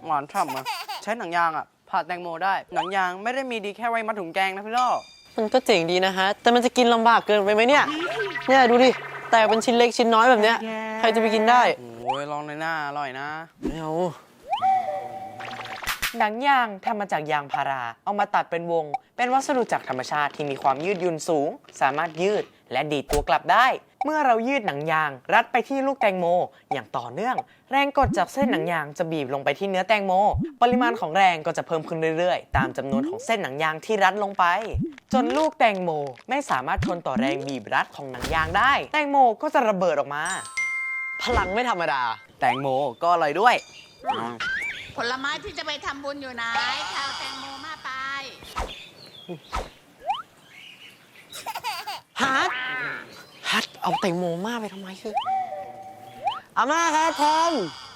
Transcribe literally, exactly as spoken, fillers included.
หวานฉ่ำอะใช้หนังยางอะผ่าแตงโมได้หนังยางไม่ได้มีดีแค่ไว้มัดถุงแกงนะพี่ล่อมันก็เจ๋งดีนะฮะแต่มันจะกินลำบากเกินไปไหมเนี่ยเนี่ยดูดิแต่เป็นชิ้นเล็กชิ้นน้อยแบบเนี้ยใครจะไปกินได้โอ้ยลองเลยหน้าอร่อยนะไม่เอาหนังยางทำมาจากยางพาราเอามาตัดเป็นวงเป็นวัสดุจากธรรมชาติที่มีความยืดหยุ่นสูงสามารถยืดและดีดตัวกลับได้เมื่อเรายืดหนังยางรัดไปที่ลูกแตงโมอย่างต่อเนื่องแรงกดจากเส้นหนังยางจะบีบลงไปที่เนื้อแตงโมปริมาณของแรงก็จะเพิ่มขึ้นเรื่อยๆตามจำนวนของเส้นหนังยางที่รัดลงไปจนลูกแตงโมไม่สามารถทนต่อแรงบีบรัดของหนังยางได้แตงโมก็จะระเบิดออกมาพลังไม่ธรรมดาแตงโมก็อร่อยด้วยผลไม้ที่จะไปทำบุญอยู่ไหนข้าวแตงโมมาไปฮัทฮัทเอาแตงโมมาไปทำไมคืออาม่าครับทอม